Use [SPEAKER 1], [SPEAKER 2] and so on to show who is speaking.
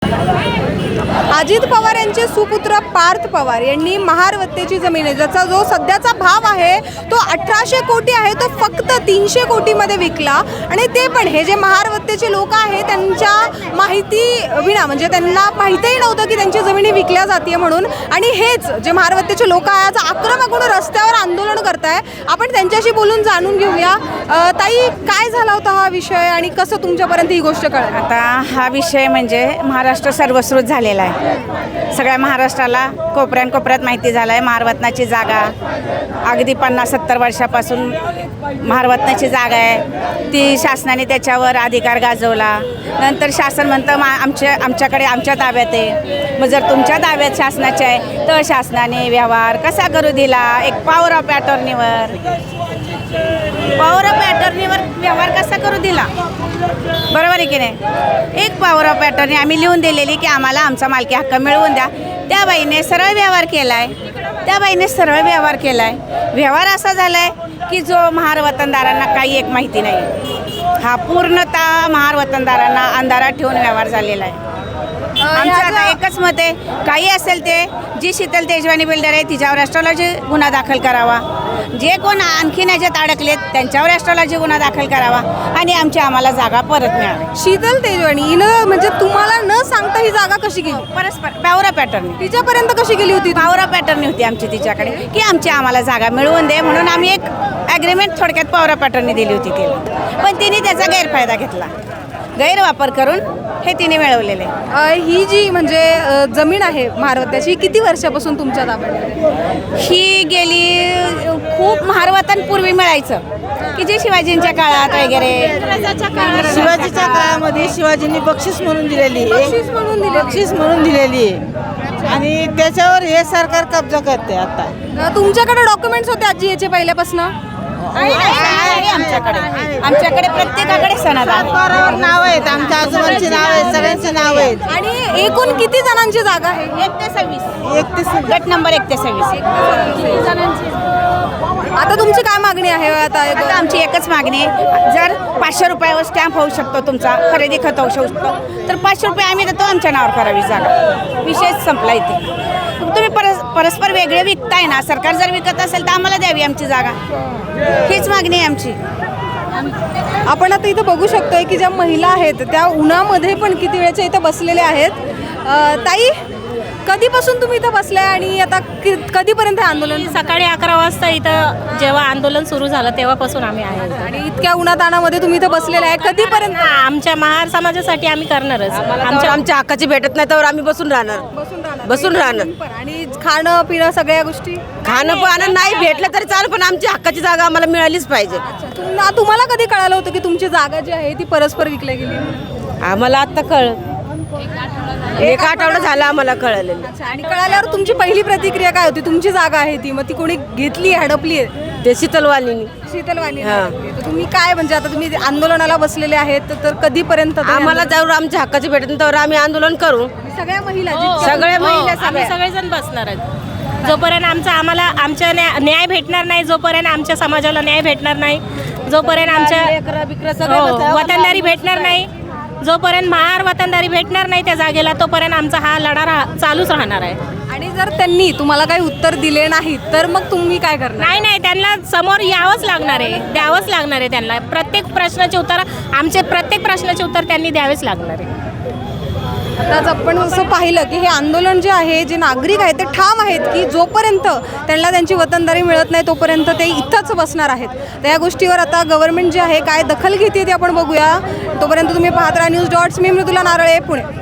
[SPEAKER 1] अजित पवार यांचे सुपुत्र पार्थ पवार यांनी महारवत्तेची जमीन आहे ज्याचा जो सध्याचा भाव आहे तो 1800 कोटी आहे, तो फक्त 300 कोटीमध्ये विकला। आणि ते पण हे जे महारवत्तेचे लोक आहेत त्यांच्या माहिती विना, म्हणजे त्यांना माहितीही नव्हतं की त्यांची जमिनी विकल्या जाते म्हणून। आणि हेच जे महारवत्तेचे लोक आहे आज आक्रमक होऊन रस्त्यावर आंदोलन करताय। आपण त्यांच्याशी बोलून जाणून घेऊया। ताई, काय झाला होता हा विषय आणि कसं तुमच्यापर्यंत ही गोष्ट कळली?
[SPEAKER 2] आता हा विषय म्हणजे महाराष्ट्र सर्वश्रुत झालेला आहे। सगळ्या महाराष्ट्राला कोपऱ्यात माहिती झालं आहे। महारवतनाची जागा अगदी 50-70 वर्षापासून महारवतनाची जागा आहे, ती शासनाने त्याच्यावर अधिकार गाजवला। नंतर शासन म्हणतं आमच्याकडे आमच्या ताब्यात आहे। मग जर तुमच्या ताब्यात शासनाचे आहे तर शासनाने व्यवहार कसा करू दिला? एक पॉवर ऑफ अटॉर्नीवर व्यवहार कसा करू दिला? बरोबर आहे की नाही? एक पॉवर ऑफ अटॉर्नी आम्ही लिहून दिलेली की आम्हाला आमचा मालकी हक्क मिळवून द्या। त्या बाईने सरळ व्यवहार केला आहे। व्यवहार असा झाला आहे की जो महारवतनदारांना काही एक माहिती नाही। हा पूर्णतः महारवतनदारांना अंधारात ठेवून व्यवहार झालेला आहे। आमचं आता एकच मत आहे, काही असेल ते जी शीतल तेजवानी बिल्डर आहे तिच्यावर ॲस्ट्रॉलॉजी गुन्हा दाखल करावा। जे कोण आणखीन याच्यात अडकलेत त्यांच्यावर ॲस्ट्रॉलॉजी गुन्हा दाखल करावा आणि आम्हाला जागा परत मिळावी।
[SPEAKER 1] शीतल तेजवानी हिनं म्हणजे तुम्हाला न सांगता ही जागा कशी गेली?
[SPEAKER 2] परस्पर पॉवर ऑफ अटॉर्नी
[SPEAKER 1] तिच्यापर्यंत कशी गेली होती?
[SPEAKER 2] पॉवर ऑफ अटॉर्नी होती आमची तिच्याकडे की आम्हाला जागा मिळवून दे म्हणून आम्ही एक ॲग्रीमेंट थोडक्यात पॉवर ऑफ अटॉर्नी दिली होती तिला, पण तिने त्याचा गैरफायदा घेतला। गैरवापर करून हे तिने मिळवलेले।
[SPEAKER 1] ही जी म्हणजे जमीन आहे महारवत्याची किती वर्षापासून तुमच्या ताब्यात?
[SPEAKER 2] ही गेली खूप महारवतांपूर्वी मिळायचं की जे शिवाजींच्या काळात वगैरे।
[SPEAKER 3] शिवाजीच्या काळामध्ये शिवाजींनी बक्षीस म्हणून दिलेली आहे आणि त्याच्यावर हे सरकार कब्जा करते। आता
[SPEAKER 1] तुमच्याकडे डॉक्युमेंट्स होते आजी याचे पहिल्यापासून?
[SPEAKER 2] आमच्याकडे प्रत्येकाकडे सनद आहे,
[SPEAKER 3] नाव आहेत, आमच्या आजोबांची नाव आहेत, सगळ्यांची नाव आहेत।
[SPEAKER 1] आणि एकूण किती जणांची जागा आहे?
[SPEAKER 2] 1 ते 26 गट नंबर 1 ते 26
[SPEAKER 1] आता तुमची काय मागणी आहे? आता
[SPEAKER 2] आमची एकच मागणी आहे, जर 500 रुपयावर स्टॅम्प होऊ शकतो तुमचा, खरेदी खत होऊ शकतो तर 500 रुपये आम्ही देतो, आमच्या नावावर करावी जागा। विषय संपला इथे। तुम्ही परस्पर वेगळे विकताय ना, सरकार जर विकत असेल तर आम्हाला द्यावी आमची जागा, हीच मागणी आहे आमची।
[SPEAKER 1] आपण आता इथं बघू शकतोय की ज्या महिला आहेत त्या उन्हामध्ये पण किती वेळच्या इथं बसलेल्या आहेत। ताई, कधीपासून तुम्ही इथं बसलाय आणि आता कधीपर्यंत आंदोलन?
[SPEAKER 4] सकाळी 11 वाजता इथं जेव्हा आंदोलन सुरू झालं तेव्हापासून आम्ही आहे
[SPEAKER 1] आणि इतक्या उन्हातानामध्ये तुम्ही इथं बसलेले आहे, कधीपर्यंत?
[SPEAKER 4] आमच्या महार समाजासाठी आम्ही करणारच।
[SPEAKER 3] आमच्या हक्काची भेटत नाही तर आम्ही बसून राहणार
[SPEAKER 1] आणि खाणं पिणं सगळ्या गोष्टी?
[SPEAKER 3] खाणं पाणं नाही भेटलं तरी चालेल, पण आमची हक्काची जागा आम्हाला मिळालीच पाहिजे।
[SPEAKER 1] तुम्हाला कधी कळालं होतं की तुमची जागा जी आहे ती परस्पर विकली गेली?
[SPEAKER 3] आम्हाला आता एक आठवडा झाला आम्हाला कळलेलं।
[SPEAKER 1] आणि कळाल्यावर तुमची पहिली प्रतिक्रिया काय होती? तुमची जागा आहे ती, मग ती कोणी घेतली, हडपली आहे?
[SPEAKER 3] ते शीतलवाणी
[SPEAKER 1] तुम्ही काय म्हणजे आता तुम्ही आंदोलनाला बसलेले आहेत तर कधीपर्यंत?
[SPEAKER 3] आम्हाला जर आमच्या हक्काची भेटत तर आम्ही आंदोलन करू।
[SPEAKER 1] सगळ्या महिला
[SPEAKER 4] आम्ही सगळेजण बसणार आहेत जोपर्यंत आमच्या न्याय भेटणार नाही, जोपर्यंत आमच्या समाजाला न्याय भेटणार नाही, जोपर्यंत आमच्या वतनदारी भेटणार नाही, जोपर्यंत महार वतनदारी भेटणार नाही त्या जागेला, तोपर्यंत आमचा हा लढा चालूच राहणार आहे।
[SPEAKER 1] आणि जर त्यांनी तुम्हाला काही उत्तर दिले नाही तर मग तुम्ही काय करणार?
[SPEAKER 4] नाही, त्यांना समोर यावंच लागणार आहे, द्यावंच लागणार आहे त्यांना। प्रत्येक प्रश्नाचे उत्तर त्यांनी द्यावेच लागणार आहे।
[SPEAKER 1] आताच आपण असं पाहिलं की हे आंदोलन जे आहे, जे नागरिक आहेत ते ठाम आहेत की जोपर्यंत त्यांना त्यांची वतनदारी मिळत नाही तोपर्यंत ते इथंच बसणार आहेत। तर या गोष्टीवर आता गव्हर्नमेंट जे आहे काय दखल घेते ते आपण बघूया। तोपर्यंत तुम्ही पाहत राहा न्यूज डॉट्स। मी मृदुला नारळे, पुणे।